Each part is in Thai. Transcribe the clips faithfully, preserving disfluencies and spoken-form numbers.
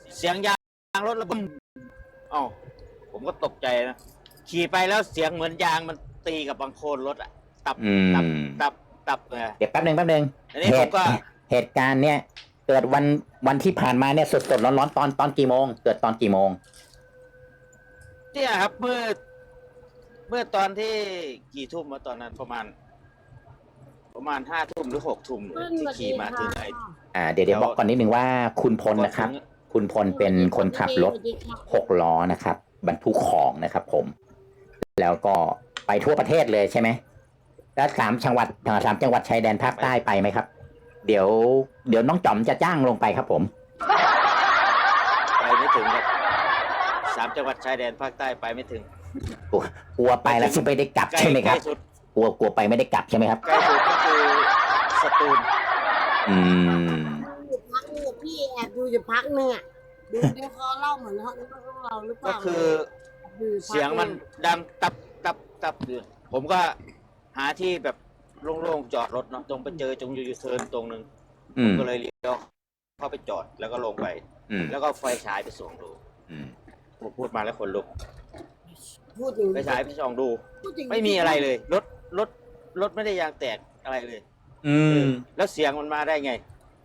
เสียงยางรถระเบิดอ๋อผมก็ตกใจนะขี่ไปแล้วเสียงเหมือนยางมันตีกับบังโคลนรถอะตับตับตับตับเลยเดี๋ยวแป๊บหนึ่งแป๊บหนึ่งเหตุเหตุการณ์เนี่ยเกิดวันวันที่ผ่านมาเนี่ยสดสดร้อนร้อนตอนตอนกี่โมงเกิดตอนกี่โมงเนี่ยครับเมื่อเมื่อตอนที่กี่ทุ่มมาตอนนั้นประมาณ ประมาณห้าทุ่มหรือหกทุ่มที่ขี่มาถึงไอ้อ่าเดี๋ยวเดี๋ยวบอกก่อนนิดนึงว่าคุณพลนะครับคุณพลเป็นคนขับรถหกล้อนะครับบรรทุกของนะครับผมแล้วก็ไปทั่วประเทศเลยใช่ไหมแล้วสามจังหวัดสามจังหวัดชายแดนภาคใต้ไปไหมครับเดี๋ยวเดี๋ยวน้องจอมจะจ้างลงไปครับผมไปไม่ถึงครับสามจังหวัดชายแดนภาคใต้ไปไม่ถึงกลัวไปแล้วจะไม่ได้กลับใช่ไหมครับกลัวกลัวไปไม่ได้กลับใช่ไหมครับใกล้สุดก็คือสตูลอืมพักนึงพี่แอบดูอยู่พักนึงอ่ะดูเดี๋ยวเขาเล่าเหมือนเขาเราหรือเปล่าก็คือเสียงมันดังตับตับตับอยู่ผมก็หาที่แบบโล่งๆจอดรถเนาะตรงไปเจอจงยูเทิร์นตรงนึงก็เลยเลี้ยวเข้าไปจอดแล้วก็ลงไปแล้วก็ไฟฉายไปส่องดูผมพูดมาแล้วคนลุกไปฉายไปส่องดูไม่มีอะไรเลยรถรถรถไม่ได้ยางแตกอะไรเลย อืมแล้วเสียงมันมาได้ไง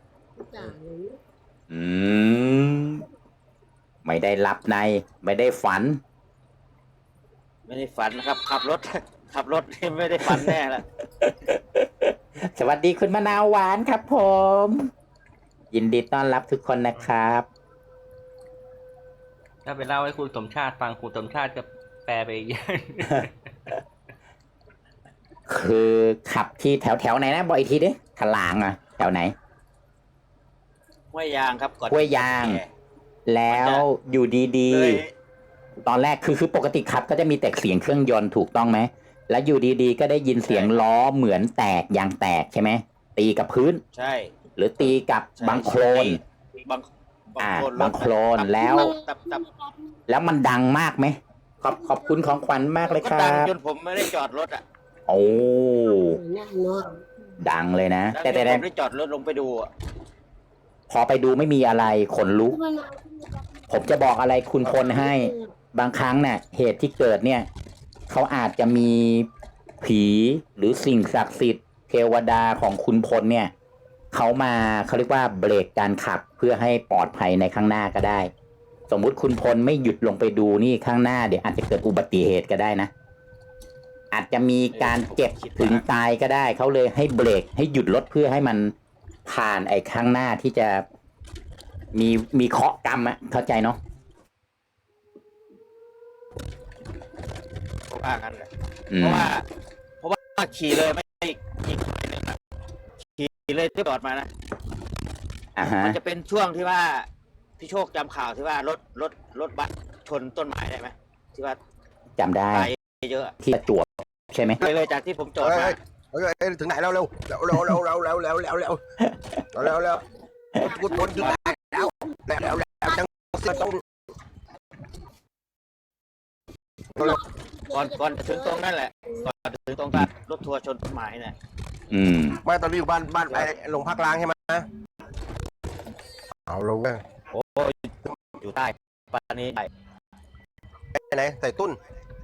อืมไม่ได้หลับในไม่ได้ฝันไม่ได้ฝันนะครับขับรถขับรถไม่ได้ฝันแน่ละสวัสดีคุณมะนาวหวานครับผมยินดีต้อนรับทุกคนนะครับถ้าไปเล่าให้คุณสมชาติฟังคุณสมชาติก็แปลไปอีกอย่างคือขับที่แถวแถวไหนนะบอกอีกทีดิถลางอ่ะแถวไหนห้วยยางครับก่อนห้วยยางแล้วอยู่ดีๆตอนแรกคือคือปกติขับก็จะมีแต่เสียงเครื่องยนต์ถูกต้องไหมแล้วอยู่ดีๆก็ได้ยินเสียงล้อเหมือนแตกยางแตกใช่ไหมตีกับพื้นใช่หรือตีกับบังโคลนบังอ่าบังโคลนแล้วแล้วมันดังมากไหมขอบขอบคุณของขวัญมากเลยครับดังจนผมไม่ได้จอดรถอ่ะโอ้ดังเลยนะแต่แต่ผมได้จอดรถลงไปดูพอไปดูไม่มีอะไรขนลุกผมจะบอกอะไรคุณพลให้บางครั้งเนี่ยเหตุที่เกิดเนี่ยเขาอาจจะมีผีหรือสิ่งศักดิ์สิทธิ์เทวดาของคุณพลเนี่ยเขามาเขาเรียกว่าเบรกการขับเพื่อให้ปลอดภัยในข้างหน้าก็ได้สมมุติคุณพลไม่หยุดลงไปดูนี่ข้างหน้าเดี๋ยวอาจจะเกิดอุบัติเหตุก็ได้นะอาจจะมีการเจ็บถึงตายก็ได้เขาเลยให้เบรกให้หยุดรถเพื่อให้มันผ่านไอ้ข้างหน้าที่จะมีมีเคราะห์กรรมอะเข้าใจเนาะเพราะว่างั้นแหละเพราะว่าเพราะว่าขี่เลยไม่อีกอีกนึงนะขี่เลยที่จอดมานะมันจะเป็นช่วงที่ว่าพี่โชคจำข่าวที่ว่ารถรถรถบัสชนต้นไม้ได้ไหมที่ว่าจำได้เยอะที่จวบใช่ไหมเลยเลยจากที่ผมจอดมาเฮ้ยถึงไหนแล้วเร็วเร็วเร็วเร็วเร็วเร็วเร็วเร็วเร็วเร็วเร็วกูทนถึงไหนแล้วแล้วแล้วแล้วจังต้องก่อนก่อนถึงตรงนั่นแหละก่อนถึงตรงการรถทัวร์ชนต้นไม้เนี่ยอืมไม่ตอนนี้อยู่บ้านบ้านไปลงพักล้างใช่ไหมเอาลงเลยโอ้อยู่ใต้ปานี้ไปไหนใส่ตุ้น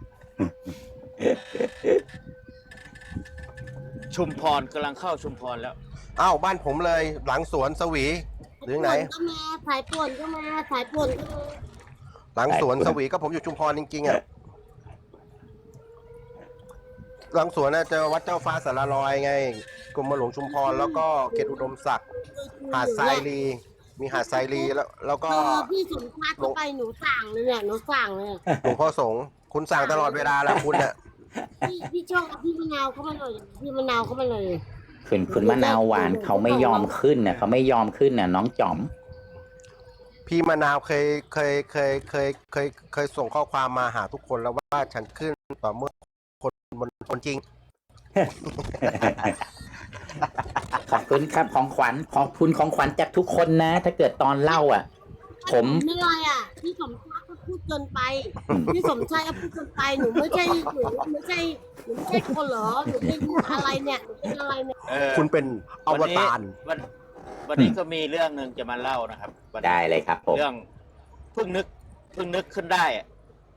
ชุมพรกำลังเข้าชุมพรแล้วอ้าวบ้านผมเลยหลังสวนสวีหรือไหนก็มาสายป่วนก็มาสายป่วนก็มาหลังสวนสวีก็ผมอยู่ชุมพรจริงๆอ่ะหลังสวนน่ะเจอวัดเจ้าฟ้าสารลอยไงกรมหลวงชุมพรแล้วก็เขตอุดมศักดิ์หาดทรายลีมีหาดทรายลีแล้วแล้วก็พี่สมชาติเข้าไปหนูสั่งเลยเนี่ยหนูสั่งเลยหลวงพ่อสงฆ์คุณสั่งตลอดเวลาแหละคุณเนี่ยพี่พี่ช่องพี่มะนาวเข้ามาหน่อยพี่มะนาวเข้ามาเลยคุณคุณมะนาวหวานเขาไม่ยอมขึ้นน่ะเขาไม่ยอมขึ้นน่ะน้องจอมพี่มะนาวเคยเคยเคยเคยเคยเคยส่งข้อความมาหาทุกคนแล้วว่าฉันขึ้นต่อเมื่อคนบนคนจริงขอบคุณครับของขวัญขอบคุณของขวัญจากทุกคนนะถ้าเกิดตอนเล่าอ่ะผมไม่ไรอ่ะพี่สมชายก็พูดเกินไปพี่สมชายก็พูดเกินไปหนูไม่ใช่หนูไม่ใช่หนูไม่ใช่คนเหรอหนูเป็นอะไรเนี่ยหนูเป็นอะไรเนี่ยคุณเป็นอวตารวันวันนี้ก็มีเรื่องหนึ่งจะมาเล่านะครับได้เลยครับผมเรื่องเพิ่งนึกเพิ่งนึกขึ้นได้อะ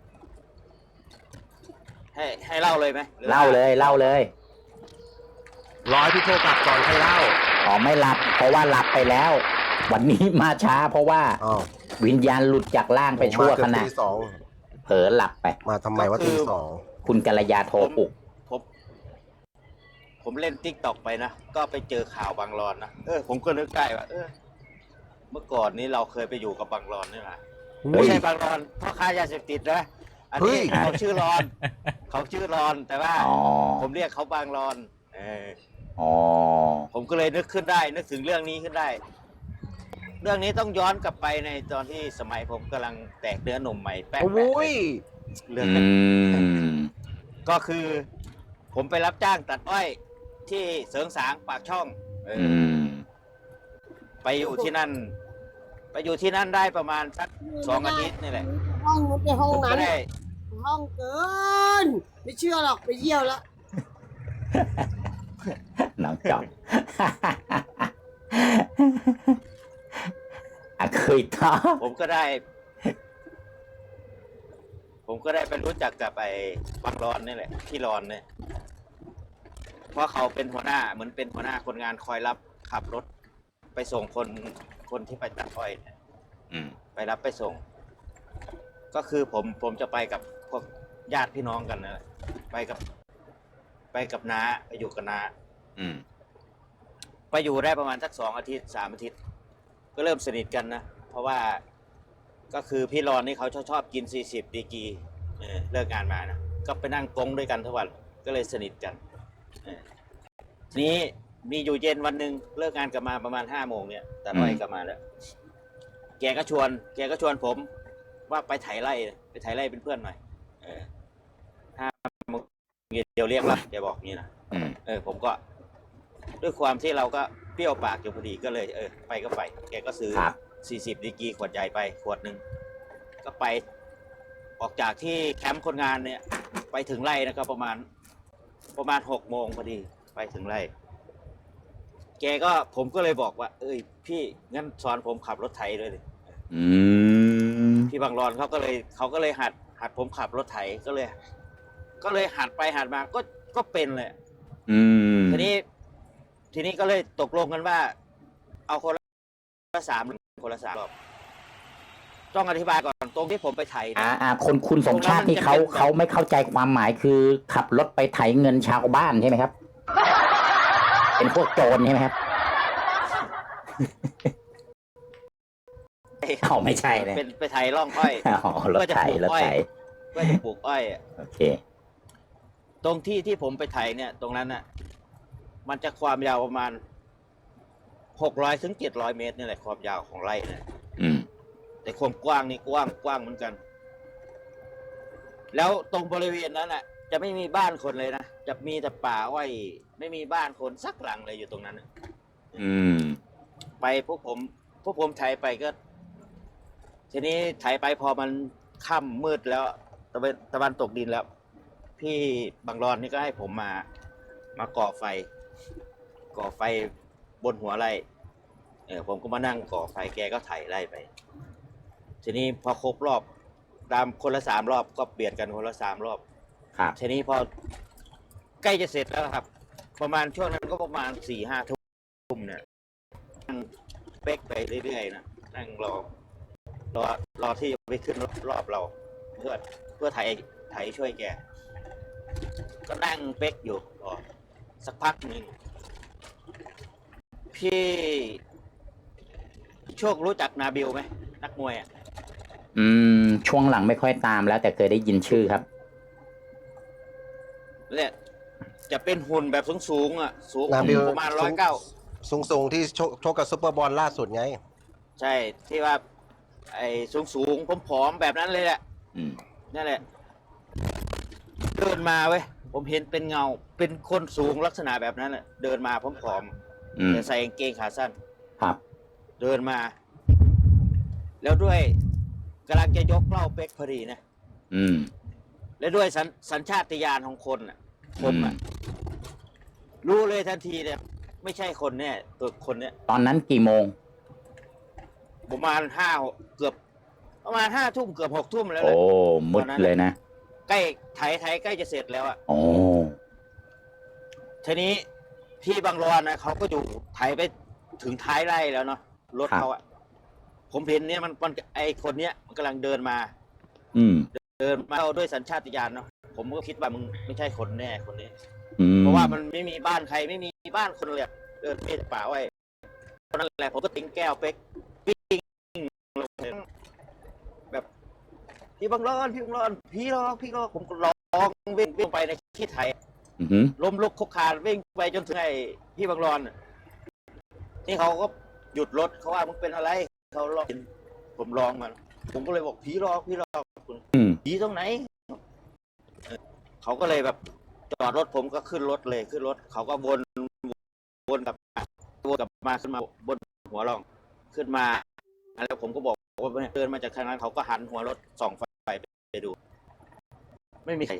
ให้ให้เล่าเลยไหมหรือเล่าเลยเล่าเลยร้อยพี่โทรกลับก่อนให้เล่าอ๋อไม่หลับ เพราะว่าหลับไปแล้ว วันนี้มาช้า เพราะว่าอ้าววิญญาณหลุดจากร่างไปชั่วมาเกืขอบณะตีสองเผลอหลับไปมาทำไมว่าตีสองคุณกัลยาโทรปลุกผมผมเล่นติ๊กตอกไปนะก็ไปเจอข่าวบางรอนนะเออผมก็นึกได้ว่าเออ เมื่อก่อนนี้เราเคยไปอยู่กับบางรอนนี่แหละเฮ้ไม่ยใช่บางรอนพ่อค้ายาเสพติดนะอันนี้เขาชื่อรอน เขาชื่อรอน แต่ว่าอ๋อผมเรียกเขาบางรอนเอออ๋อผมก็เลยนึกขึ้นได้ นึกถึงเรื่องนี้ขึ้นได้ เรื่องนี้ต้องย้อนกลับไปในตอนที่สมัยผมกำลังแตกเนื้อหนุ่มใหม่แป๊บโอ้ยเรื่องอืมก็คือ ผมไปรับจ้างตัดอ้อยที่เสริงสางปากช่องเอออือมไปอยู่ที่นั่น ไปอยู่ที่นั่นได้ประมาณสักสองอาทิตย์นี่แหละห้องนู้นในห้องผมนั้ก็นได้ห้องเกิน ไม่เชื่อหรอกไปเยี่ยวแล้วน้องจอม อะเคยท้อผมก็ได้ ผมก็ได้ไปรู้จักกับไอ้บางรอนนี่แหละที่รอนเนี่ย เพราะเขาเป็นหัวหน้าเหมือนเป็นหัวหน้าคนงานคอยรับขับรถ ไปส่งคนคนที่ไปตัดอ้อยเนี่ยอืมไปรับไปส่ง ก็คือผมผมจะไปกับพวกญาติพี่น้องกันนะไปกับ ไปกับน้าไปอยู่กับน้าอืมไปอยู่ได้ประมาณสักสองอาทิตย์สามอาทิตย์ ก็เริ่มสนิทกันนะ เพราะว่าก็คือพี่รอนนี่เขาชอบชอบกินสี่สิบดีกรีเออเลิกงานมานะก็ไปนั่งกงด้วยกันทุกวันก็เลยสนิทกันเออทีนี้มีอยู่เย็นวันหนึ่งเลิกงานกลับมาประมาณห้าโมงเนี่ยแต่อ้อยกลับมาแล้ว แกก็ชวน แกก็ชวนผม ว่าไปไถไร่ไปไถไร่เป็นเพื่อนหน่อยเออห้าโมงเย็นเดี๋ยวเรียกรับแกบอกงี้นะอืมเออผมก็ ด้วยความที่เราก็เปรี้ยวปากอยู่พอดีก็เลย เออ ไปก็ไป แกก็ซื้อครับสี่สิบดีกรีขวดใหญ่ไปขวดหนึ่งก็ไป ออกจากที่แคมป์คนงานเนี่ย ไปถึงไร่นะก็ประมาณ ประมาณหกโมงพอดีไปถึงไร่ แกก็ผมก็เลยบอกว่า เอ้ย พี่งั้นสอนผมขับรถไถเลยดิอืมพี่บางรอนเขาก็เลยเขาก็เลยหัด หัดผมขับรถไถก็เลย ก็เลยหัดไปหัดมาก็ก็เป็นเลยอืมทีนี้ ทีนี้ก็เลยตกลงกันว่า เอาคนละสามคนละสามรอบต้องอธิบายก่อนตรงที่ผมไปไถอ่านะอ่าคนคุณสมชาติที่เขาเขาไม่เข้าใจความหมายคือขับรถไปไถเงินชาวบ้านใช่ไหมครับ เป็นพวกโจรใช่ไหมครับเขาไม่ใช่เลยเป็นไปไถร่องอ้อยอ๋อรถไถรถไถเพื่อจะปลูกอ้อยอะโอเคตรงที่ที่ผมไปไถเนี่ย ตรงนั้นน่ะ มันจะความยาวประมาณหกร้อยถึงเจ็ดร้อยเมตรนี่แหละความยาวของไร่เนี่ยอืมแต่ความกว้างนี่กว้างกว้างเหมือนกัน แล้วตรงบริเวณนั้นน่ะ จะไม่มีบ้านคนเลยนะจะมีแต่ป่าอ้อยไม่มีบ้านคนสักหลังเลยอยู่ตรงนั้นน่ะอืมไปพวกผมพวกผมไถไปก็ ทีนี้ไถไปพอมันค่ำมืดแล้วตะวันตะวันตกดินแล้ว พี่บางรอนนี่ก็ให้ผมมา มาก่อไฟ ก่อไฟบนหัวไร่เออผมก็มานั่งก่อไฟแกก็ไถไร่ไป ทีนี้พอครบรอบตามคนละสามรอบก็เปลี่ยนกันคนละสามรอบครับทีนี้พอใกล้จะเสร็จแล้วครับ ประมาณช่วงนั้นก็ประมาณสี่ห้าทุ่มเนี่ยนั่งเป๊กไปเรื่อยๆนะนั่งรอ รอรอที่จะไปขึ้นรอบเรา เพื่อเพื่อไถไถช่วยแก ก็นั่งเป๊กอยู่รอสักพักหนึ่งพี่โชครู้จักนาบิลไหมนักมวยอ่ะอืม ช่วงหลังไม่ค่อยตามแล้ว แต่เคยได้ยินชื่อครับเนี่ยจะเป็นหุ่นแบบสูงๆอ่ะ สูงนาบิลประมาณร้อยเก้าสูงสูงๆที่โชคโชคกับซุปเปอร์บอลล่าสุดไงใช่ที่ว่า ไอ้สูงๆผอมๆแบบนั้นเลยแหละอืมนั่นแหละ เดินมาเว้ยผมเห็นเป็นเงา เป็นคนสูงลักษณะแบบนั้นแหละเดินมาผอมอืมๆแต่ใส่กางเกงขาสั้นครับเดินมา แล้วด้วยกำลังจะยกเหล้าเป๊กพอดีนะอืมและด้วยสัญสัญชาตญาณของคนอ่ะ ผมอ่ะ รู้เลยทันทีเนี่ย ไม่ใช่คนเนี่ยตัวคนเนี่ยตอนนั้นกี่โมงประมาณห้าเกือบประมาณห้าทุ่มเกือบหกทุ่มแล้วแหโอ้ละมืดเลยนะใกล้ไถไถใกล้จะเสร็จแล้วอ่ะโอ้ทีนี้พี่บางรอนนะเขาก็อยู่ไถไปถึงท้ายไร่แล้วเนาะรถเขาอ่ะผมเห็นเนี่ยมันมันไอคนเนี้ยมันกำลังเดินมาอืมเดินมาด้วยสัญชาตญาณเนาะผมก็คิดว่ามึงไม่ใช่คนแน่คนนี้อืมเพราะว่ามันไม่มีบ้านใครไม่มีบ้านคนเลยเดินเพ่ป่าไว้ตอนนั้นแหละผมก็ทิ้งแก้วเป๊กปิ้งลงเลยแบบพี่บังรอนพี่บังรอนพี่รอพี่รอผมก็ร้องวิ่งวิ่งไปในที่ไทยอือหือล้มลุกคุกคานวิ่งไปจนถึงไอ้พี่บังรอนนี่เขาก็หยุดรถเขาว่ามึงเป็นอะไรเขาร้องผมร้องมันผมก็เลยบอกผีรอพี่รอคุณอืมผีตรงไหนเขาก็เลยแบบจอดรถผมก็ขึ้นรถเลยขึ้นรถเขาก็วนวนกลับมาวนกลับมาขึ้นมาบนหัวร่องขึ้นมาแล้วผมก็บอกว่าเดินมาจากทางนั้นเขาก็หันหัวรถส่องไฟไปดู ไม่มีใคร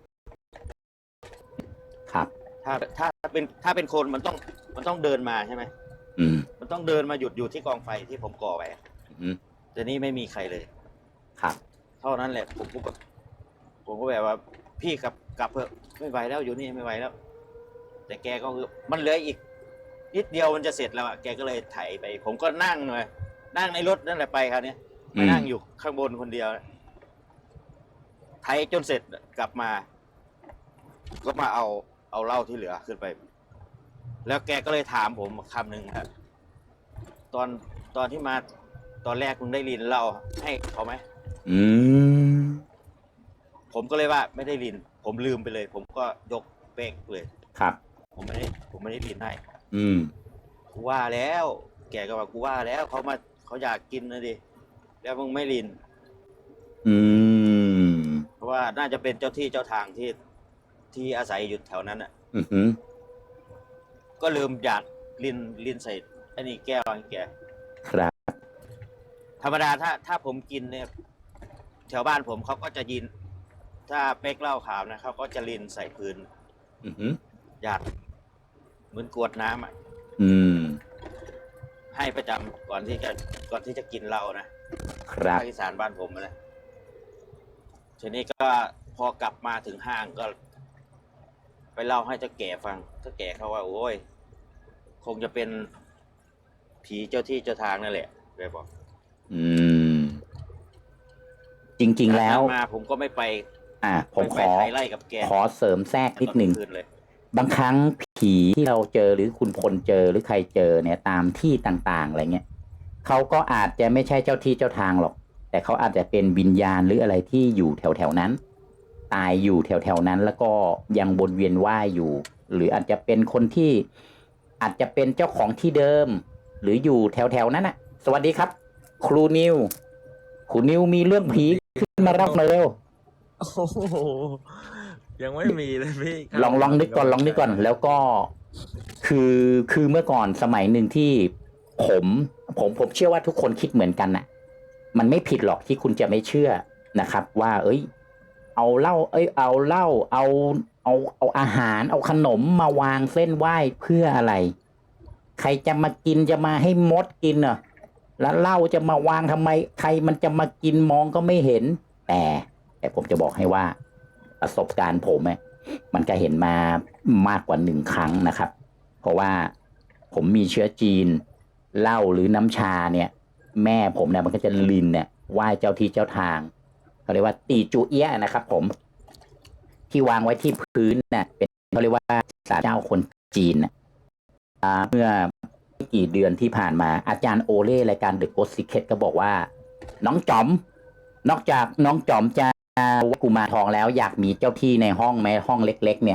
ครับถ้าถ้าเป็นถ้าเป็นคนมันต้องมันต้องเดินมาใช่ไหมอืมมันต้องเดินมาหยุดอยู่ที่กองไฟที่ผมก่อไว้อืมแต่นี่ไม่มีใครเลยครับเท่านั้นแหละผมก็แบบผมก็แบบว่าพี่กลับกลับเถอะไม่ไหวแล้วอยู่นี่ไม่ไหวแล้ว แต่แกก็คือมันเหลืออีกนิดเดียวมันจะเสร็จแล้วอ่ะแกก็เลยไถไป ผมก็นั่งเลยนั่งในรถนั่นแหละไปครับเนี่ยมานั่งอยู่ข้างบนคนเดียวไถจนเสร็จกลับมา ก็มาเอาเอาเหล้าที่เหลือขึ้นไป แล้วแกก็เลยถามผมคำหนึ่งครับตอนตอนที่มาตอนแรกคุณได้ลินเหล้าให้เขาไหมอืมผมก็เลยว่าไม่ได้ลิน ผมลืมไปเลย ผมก็ยกเป๊กเลยครับผมไม่ได้ผมไม่ได้ลินให้อืมกูว่าแล้ว แกก็ว่ากูว่าแล้วเขามาเขาอยากกินนะดิแล้วมึงไม่ลินอืมเพราะว่าน่าจะเป็นเจ้าที่เจ้าทางที่ที่อาศัยอยู่แถวนั้นอ่ะอือหือก็ลืมหยาดลินลินใส่ไอ้นี่แก้วให้แกครับธรรมดาถ้าถ้าผมกินเนี่ยแถวบ้านผมเขาก็จะยิน ถ้าเป๊กเหล้าขาวนะเขาก็จะลินใส่พื้นอือหือหยาดเหมือนกรวดน้ำอ่ะอืมให้ประจำก่อนที่จะก่อนที่จะกินเหล้านะครับ ภาคอีสานบ้านผมนะทีนี้ก็พอกลับมาถึงห้างก็ ไปเล่าให้เจ้าแก่ฟังเจ้าแก่เขาว่าโอ้ยคงจะเป็นผีเจ้าที่เจ้าทางนั่นแหละเลยบอกอืม จริง ๆ แล้วมาผมก็ไม่ไปอ่า ผมขไไปอไถไล่กับแกขอเสริมแทรกนิดหนึ่งคืนเลยบางครั้งผีที่เราเจอหรือคุณพลเจอหรือใครเจอเนี่ยตามที่ต่างๆอะไรเงี้ยเขาก็อาจจะไม่ใช่เจ้าที่เจ้าทางหรอก แต่เขาอาจจะเป็นวิญญาณหรืออะไรที่อยู่แถวๆนั้น ตายอยู่แถวๆนั้น แล้วก็ยังวนเวียนว่ายอยู่ หรืออาจจะเป็นคนที่อาจจะเป็นเจ้าของที่เดิม หรืออยู่แถวๆนั้นน่ะ สวัสดีครับ ครูนิวครูนิวมีเรื่องผีขึ้นมารับมาเร็วโอ้โหยังไม่มีเลยพี่ลองลองนึกก่อนลองนึกก่อนแล้วก็คือคือเมื่อก่อนสมัยหนึ่งที่ผมผมผมเชื่อว่าทุกคนคิดเหมือนกันน่ะ มันไม่ผิดหรอกที่คุณจะไม่เชื่อนะครับ ว่า เอ้ย เอาเหล้าเอ้ยเอาเหล้าเอาเอาเอาอาหาร เอาขนมมาวางเส้นไหว้เพื่ออะไร ใครจะมากินจะมาให้มดกินเหรอแล้วเหล้าจะมาวางทำไม ใครมันจะมากินมองก็ไม่เห็น แต่แต่ผมจะบอกให้ว่า ประสบการณ์ผมเนี่ยมันก็เห็นมามากกว่าหนึ่งครั้งนะครับ เพราะว่าผมมีเชื้อจีนเหล้าหรือน้ำชาเนี่ย แม่ผมเนี่ยมันก็จะลินเนี่ยไหว้เจ้าที่เจ้าทางเขาเรียกว่าตีจูเอี้ยนะครับผมที่วางไว้ที่พื้นเนี่ยเป็นเขาเรียกว่าศาลเจ้าคนจีนนะเมื่อไม่กี่เดือนที่ผ่านมาอาจารย์โอเล่รายการ The Ghost Secret ก็บอกว่า น้องจอมนอกจากน้องจอมจะกุมารทองแล้วอยากมีเจ้าที่ในห้องไหมห้องเล็กๆเนี่ย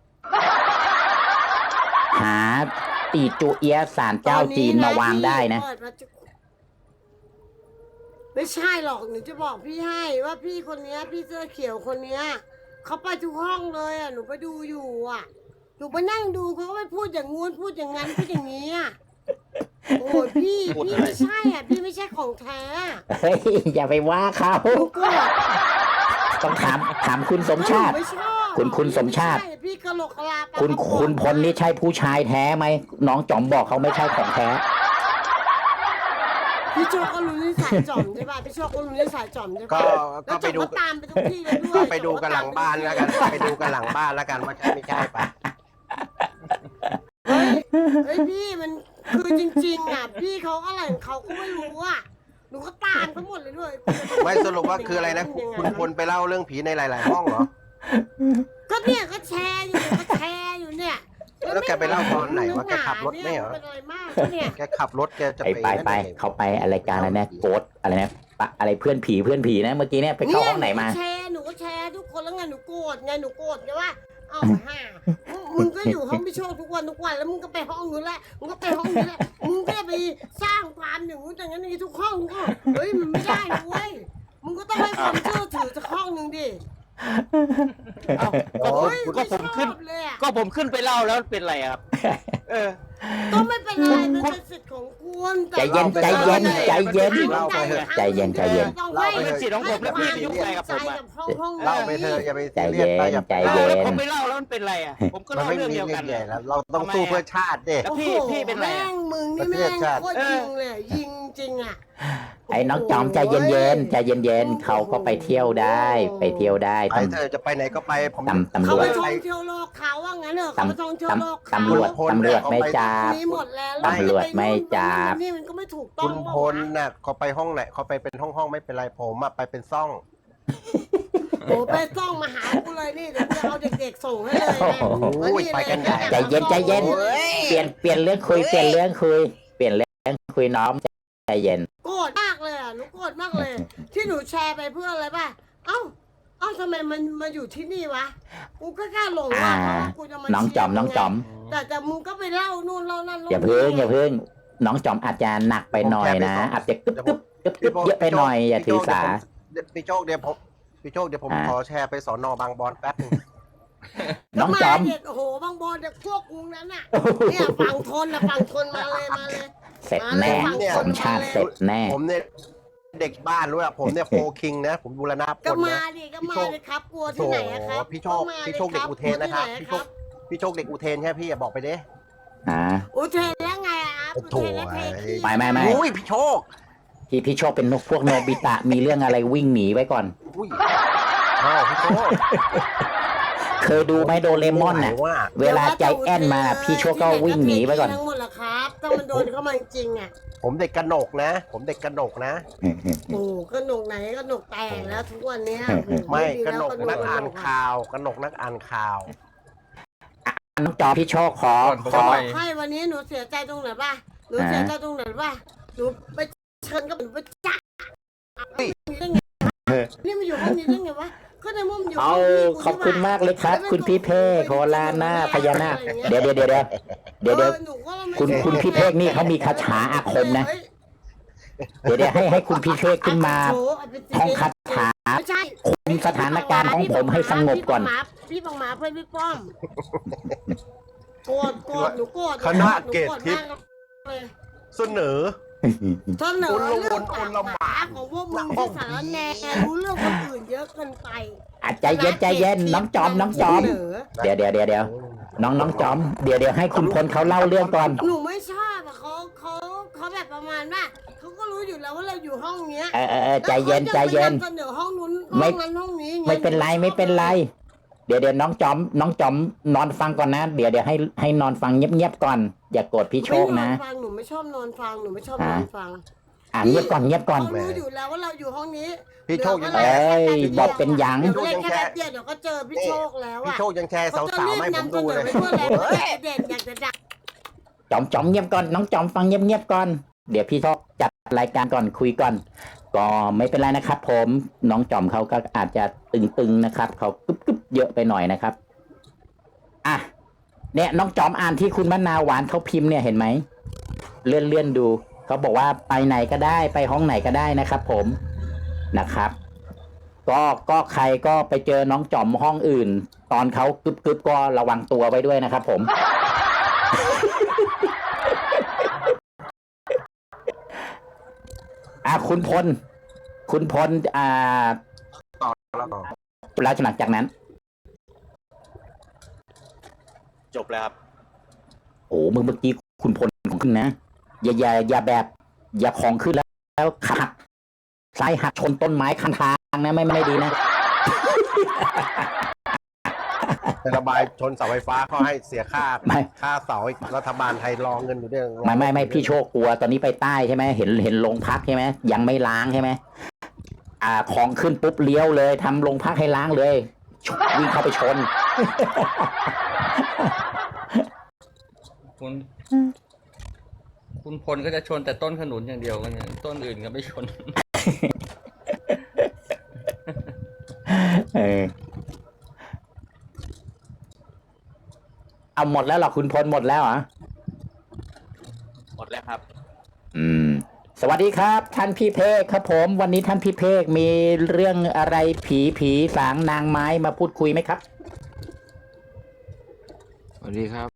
หาตีจูเอียะศาลเจ้าจีนมาวางได้นะไม่ใช่หรอกหนูจะบอกพี่ให้ว่าพี่คนเนี้ย พี่เสื้อเขียวคนเนี้ยเขาไปทุกห้องเลยอ่ะหนูไปดูอยู่อ่ะหนูไปนั่งดูเขาก็ไปพูดอย่างงู้นพูดอย่างงั้นพูดอย่างนี้อ่ะโอ้ยพี่พี่ไม่ใช่อ่ะพี่ไม่ใช่ของแท้เฮ้ยอย่าไปว่าเขาหนูกลัวต้องถามถามคุณสมชาติหนูไม่ชอบคุณคุณสมชาติไใพี่กะโหลกกะลาปลาคุณกระป๋องคุณพลนี่ใช่ผู้ชายแท้ไหมน้องจอมบอกเขาไม่ใช่ของแท้พี่โชคก็รู้นิสัยจอมใช่ป่ะพี่โชคก็รู้นิสัยจอมใช่ก็ป่ะก็แล้วไปจอมดูก็ตามไปทุกที่เลยด้วยก็ไปดูกันหลังบ้านแล้วกัน ไปดูกันหลังบ้านแล้วกันว่าใช่ไม่ใช่ปะเฮ้ยเฮ้ยพี่มันคือจริงๆอ่ะพี่เขาอะไรของเขาก็ไม่รู้อ่ะหนูก็ตามทั้งหมดเลยด้วยไม่สรุปว่าคืออะไรนะคุณคุณพลไปเล่าเรื่องผีในหลาย ๆ ห้องเหรอก็เนี่ยก็แชร์อยู่ก็แชร์อยู่เนี่ยแล้วแกไปเล่าตอนไหนวะแกขับรถไม่เหรอเป็นอะไรมากเนี่ยแกขับรถแกจะไปไปไปไปเขาไปอะไรการอะไรนะโกดอะไรนะปะอะไรเพื่อนผีเพื่อนผีนะเมื่อกี้เนี่ยไปเข้าห้องไหนมาแชร์หนูก็แชร์ทุกคนแล้วไงหนูโกรธไงหนูโกรธไงว่าอ้าวห่ามึงก็อยู่ห้องพี่โชคทุกวันทุกวันแล้วมึงก็ไปห้องนู้นแหละมึงก็ไปห้องนี้แหละมึงก็ไปสร้างความอย่างนู้นอย่างนี้ทุกห้องก็เฮ้ยมันไม่ได้นะเว้ยมึงก็ต้องให้ความเชื่อถือสักห้องหนึ่งดิเอ้าก็ผมโอ้ยก็ผมขึ้นไชอบเลยอะก็ผมขึ้นไปเล่าแล้วเป็นไรอะครับ เออก็ไม่เป็นไรมันเป็นสิทธิ์ของคุณแต่ใจเย็นใจเย็นใจเย็นเล่าไปเถอะใจเย็นใจเย็นต้องเล่าให้ไปเถอะเป็นสิทธิ์ของผมแล้วพี่ไปยุ่งอะไรกับผมอะห้องห้องเล่าไปเถอะอย่าไปใจซีเย็รียสนไปอย่าใจเล่าเย็แล้วนผมไปเล่าแล้วมันเป็นไรอ่ะ ผมก็มันเล่าไม่เรื่องมีเดียวเรื่กัอน งเลใหญ่ยแล้วเราต้องสู้เพื่อชาติเด้แล้วพี่พี่เป็นไรแม่อะงมึงนี่แม่งโคตรยิงเลยอะยิงจริงอ่ะไอ้น้องจอมใจเย็นๆใจเย็นๆเขาก็ไปเที่ยวได้ ไปเที่ยวได้ไปเธอจะไปไหนก็ไปผมตำตำรเขาวไปจท่องเที่ยวโลกเขาว่างั้นเถอะเขาไปท่องเที่ยวโลกเขาตำรวจตำรวจไม่จับมีหมดแล้วตำรวจไม่จับนี่มันก็ไม่ถูกต้อคุงณพลน่ะเขาไปห้องไหนเขาไปเป็นห้องห้องๆไม่เป็นไรผมอะไปเป็นซ่องโอ้ไปต้องมาหากูเลยนี่เดี๋ยวกูจะเอาเด็กๆส่งให้เลยนะโอ้ยไปกันใหญ่ใจเย็นใจเย็น เปลี่ยนเปลี่ยนเรื่องคุยเปลี่ยนเรื่องคุยเปลี่ยนเรื่องคุยน้องใจเย็นโกรธมากเลยอ่ะหนูโกรธมากเลย ที่หนูแชร์ไปเพื่ออะไรป่ะเอ้าเอ้าทำไมมันมาอยู่ที่นี่วะกูก็แค่หลงอ่าว่าเพราะว่ากูจะมาน้องจอมน้องจอมแต่แต่มึงก็ไปเล่านู่นเล่านั่นล่าอย่าเพิ่งนี่อย่าเพิ่งน้องจอมอาจจะหนักไปหน่อยนะ อาจจะกึบกึบกึบกึบเยอะไปหน่อยอย่าถือสาพี่โชคเดี๋ยวผมพี่โชคเดี๋ยวผมอ่าขอแชร์ไปสอนอบางบอนแป๊บนึงน้องจอมก็าเด็กโอ้โหบางบอลเด็กพวกกูนั้นน่ะเนี่ยฝั่งทนนะฝั่งทนมาเลยมาเลยเสร็จแน่สมชาติเสร็จแน่ผมเนี่ยเด็กบ้านรู้อะผมเนี่ยโฟคิงนะ ผมบูรณะพก็ลมานะดิก็มาเลยครับกลัวที่ไหนอะครับโอ้พี่โชคก็มาพี่โชคเด็กอุเทนนะครับกลัวพี่ที่โชไหคพี่โชคเด็กอุเทนใช่พี่อย่าบอกไปเด้อ่าอุเทนแล้วไงอะครับอุโถ่เทนแล้วเทคีไม่ไม่ไม่อุ้ยพี่โชคพี่พี่โชคเป็นนกพวกโนบิตะมีเรื่องอะไรวิ่งหนีไว้ก่อนอุ้ยอ้าวพี่โชคเคยดูไหมโดเรมอนน่ะไหว่าเวลาใจแอนมาพี่โชคก็วิ่งหนีไว้ก่อนทั้งหมดละครับถ้ามันโดนเข้ามาจริงๆอะผมเด็กกระหนกนะ ผมเด็กกระหนกนะโอ้ก็หนกไหนก็หนกแตกแล้วทุกวันเนี้ยไม่ดีกระแล้วหนกนักอ่านอะข่าวกระหนกนักอ่านข่าวน้องจอพี่โชคขอขจะอบอกให้วันนี้หนูเสียใจตรงไหนป่ะหนูเสียใจตรงไหนป่ะหนูไปเชิญกับหนูไปจ้าเฮ้ยได้ไงนี่มันอยู่ห้องนี้ได้ไงวะก็ในมุมอยู่ห้เอางพี่ขอบคุณมากเลยครับ คุณพี่เพกโคลาหน้าพญานาคเดี๋ยวเดี๋ยวเดี๋ยวเดี๋ยวเดี๋ยวเดี๋ยวออหนูก็ไม่คุณคุณพี่เพกนี่เขามีคาถาอาคมนะเฮ้ยเดี๋ยวเดี๋ยวให้ให้คุณพี่เพกขึ้นมาโอ้เอาไปท่องคาถาไม่ใช่คุมสถานการณ์ของผมให้สงบก่อนพี่บังหมาเพื่อนพี่ป้อมโกรธโกรธหนูโกรธคณะเกตทิพย์หนูโกรธมากเลยเสนอเสนอคุณลงเรื่องคนปากละหหมามาของพวกมึงที่สารแหน่รู้เรื่องคนอื่นเยอะเกินไปอ่ะใจเย็นใจเย็นน้องจอมน้องจอมเสนอเดี๋ยวเดี๋ยวเดี๋ยวเดี๋ยวน้องน้องจอมเดี๋ยวเดี๋ยวให้คุณพลเขาเล่าเรื่องก่อนหนูไม่ชอบอะเขาเขาเขาแบบประมาณว่าเขาก็รู้อยู่แล้วว่าเราอยู่ห้องเนี้ยเออเออเออใจเย็นใจเย็นแล้วขาจะไปนำเสนอห้องนู้นไม่ห้องนั้นห้องนี้งไม่เป็นไรไม่เป็นไร เดี๋ยวเดี๋ยวน้องจอม น้องจอมนอนฟังก่อนนะ เดี๋ยวเดี๋ยวให้ให้นอนฟังเงียบๆก่อน อย่าโกรธพี่โชคนะไม่นอนฟังหนูไม่ชอบนอนฟังหนูไม่ชอบนอนฟังอ่าเงียบก่อนเงียบก่อนเขารู้อยู่แล้วว่าเราอยู่ห้องนี้พี่โชคยังเอ้ยบอกเป็นหยังเดี๋ยวเล่นแค่แป๊บเดียวเดี๋ยวก็เจอพี่โชคแล้วพี่อะโชคยังแชร์เขาจะสาวรีๆบให้ผมนำเสดูนอเลยไปทั่วแล้วเด่นอยากจะดังจอมจอมเงียบก่อน น้องจอมฟังเงียบๆก่อน เดี๋ยวพี่โชคจัดรายการก่อนคุยก่อน ก็ไม่เป็นไรนะครับ ผม น้องจอมเขาก็อาจจะตึงๆนะครับ เขากึ๊บๆเยอะไปหน่อยนะครับ อ่ะ เนี่ยน้องจอมอ่านที่คุณมะนาวหวานเขาพิมพ์เนี่ยเห็นไหม เลื่อนเลื่อนดู เขาบอกว่าไปไหนก็ได้ไปห้องไหนก็ได้นะครับ ผมนะครับ ก็ก็ใครก็ไปเจอน้องจอมห้องอื่น ตอนเขากึบกึบก็ระวังตัวไว้ด้วยนะครับ ผม อ่ะคุณพล คุณพลอ่าแล้วก็แล้วหลังจากนั้นจบแล้วครับโอ้เมื่อเมื่อกี้คุณพลของขึ้นนะ อย่าอย่าอย่าแบบ อย่าของขึ้นแล้วแล้วขับซ้ายหักชนต้นไม้ข้างทางนะไม่ไม่ดีนะแต่ระบายชนเสาไฟฟ้าเขาให้เสียค่าไม่ค่าเสาอีกรัฐบาลไทยรองเงินอยู่ด้วยไม่ไม่ไม่พี่โชคกลัวตอนนี้ไปใต้ใช่ไหมเห็นเห็นโรงพักใช่ไหมยังไม่ล้างใช่ไหมอ่าของขึ้นปุ๊บเลี้ยวเลยทำโรงพักให้ล้างเลยวิ่งเข้าไปชนคุณ คุณพลก็จะชนแต่ต้นขนุนอย่างเดียวกันเนี่ยต้นอื่นก็ไม่ชนเออเอาหมดแล้วเหรอคุณพลหมดแล้วเหรอหมดแล้วครับอืม สวัสดีครับ ท่านพี่เพกครับผม วันนี้ท่านพี่เพกมีเรื่องอะไรผีผีสางนางไม้มาพูดคุยไหมครับสวัสดีครับ